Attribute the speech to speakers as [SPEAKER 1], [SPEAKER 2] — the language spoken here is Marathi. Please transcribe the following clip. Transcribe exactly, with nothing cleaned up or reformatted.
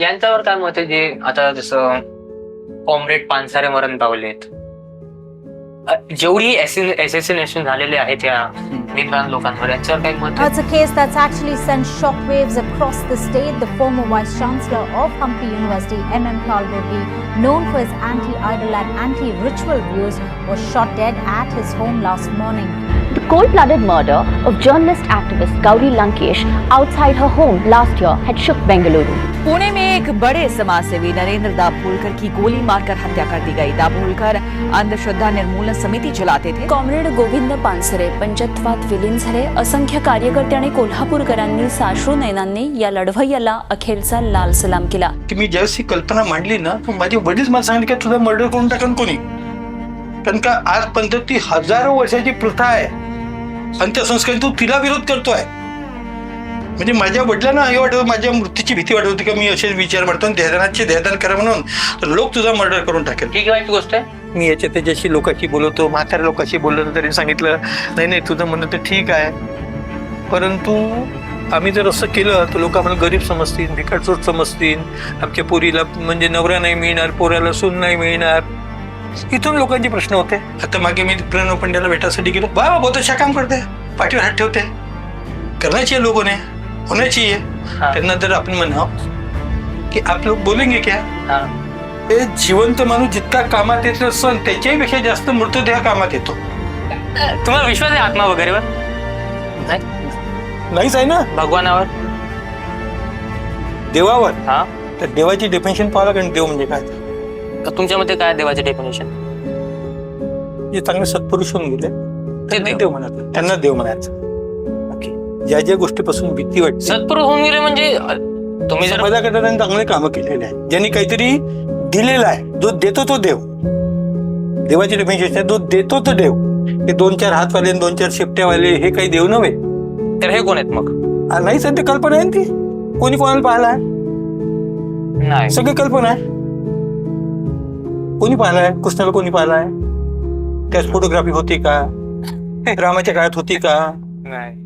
[SPEAKER 1] यांच्यावर काय मत आहे, जे आता जसं कॉम्रेड पानसारे मरण पावलेत, अ, जेवढी एसेसिनेशन झालेले आहेत या निर्माण लोकांवर, यांच्यावर काही मत
[SPEAKER 2] It's a case that's actually sent shockwaves across the state. The former Vice Chancellor of Hampi University, M M Kalburgi, known for his anti-idol and anti-ritual views, was shot dead at his home last morning.
[SPEAKER 3] The cold-blooded murder of journalist activist Gauri Lankesh outside her home last year had shook Bengaluru.
[SPEAKER 4] Pune में एक बड़े समाजसेवी नरेंद्र दाभोलकर की गोली मारकर हत्या कर दी गई। दाभोलकर अंधश्रद्धा निर्मूलन समिति चलाते थे।
[SPEAKER 5] कॉम्रेड गोविंद पानसरे पंचत्वात विलीन झाले। असंख्य कार्यकर्ते आणि कोल्हापूरकरांनी साश्रू नयनांनी या लढवय्याला अखेरचा लाल सलाम केला।
[SPEAKER 6] की मी ज्यावेळेस ही कल्पना मांडली ना, माझे वडील मला सांगितले की तुझा मर्डर करून टाकन कोणी, कारण का आजपर्यंत ती हजारो वर्षाची प्रथा आहे, अंत्यसंस्कार तू तिला विरोध करतोय। म्हणजे माझ्या वडिलांना हे वाटत, माझ्या मृत्यूची भीती वाटत होती की मी असेच विचार मांडतो, देहदानाचे देहदान करा म्हणून, तर लोक तुझा मर्डर करून टाकेल।
[SPEAKER 1] ठीक वाईट गोष्ट आहे।
[SPEAKER 6] मी याच्या त्याच्याशी लोकांशी बोलवतो, म्हाताऱ्या लोकांशी बोललो तरी सांगितलं नाही नाही तुझं म्हणणं तर ठीक आहे, परंतु आम्ही जर असं केलं तर लोक आम्हाला गरीब समजतील, भिकारचोट समजतील, आमच्या पोरीला म्हणजे नवरा नाही मिळणार, पोराला सून नाही मिळणार, इथून लोकांचे प्रश्न होते। आता मागे मी प्रणव पंड्याला भेटायसाठी गेलो, बाबा बहुत अच्छा काम करते, पाठीवर हात ठेवते, करना चाहिए लोगों ने, होना चाहिए। त्यांना जर आपण म्हणावं की आप लोग बोलेंगे क्या, हे जिवंत माणूस जितका कामात येतो सण त्याच्याही पेक्षा जास्त मृतदेह कामात येतो।
[SPEAKER 1] तुम्हाला विश्वास आहे आत्मा वगैरेवर? नाही,
[SPEAKER 6] नाहीच आहे ना,
[SPEAKER 1] भगवानावर,
[SPEAKER 6] देवावर।
[SPEAKER 1] हा,
[SPEAKER 6] तर देवाची डेफिनेशन पाहावं लागेल, देव म्हणजे काय।
[SPEAKER 1] तर तुमच्या मते काय देवाचे डेफिनेशन?
[SPEAKER 6] जे चांगले सत्पुरुष होऊन गेले त्यांना
[SPEAKER 1] देव.
[SPEAKER 6] देव म्हणायचं, त्यांना देव म्हणायचं। ज्या ज्या गोष्टीपासून भीती वाटते,
[SPEAKER 1] सत्पुरुष होऊन गेले म्हणजे अ, तुम्ही जर
[SPEAKER 6] समाजाकडे त्यांनी चांगले कामं केलेले आहे, ज्यांनी काहीतरी दिलेला आहे, जो देतो तो देव। देवाची डेफिनेशन आहे, जो देतो तो देव। हे दोन चार हातवाले दोन चार शेपट्यावाले हे काही देव नव्हे।
[SPEAKER 1] तर हे कोण आहेत मग?
[SPEAKER 6] आ, नाहीच आहे, ते कल्पना आहे ना ती, कोणी कोणाला पाहिला
[SPEAKER 1] नाही,
[SPEAKER 6] सगळी कल्पना आहे। कोणी पाहिलाय कृष्णाला, कोणी पाहिलाय, त्याच फोटोग्राफी होती का, रामाच्या काळात होती का,
[SPEAKER 1] नाही,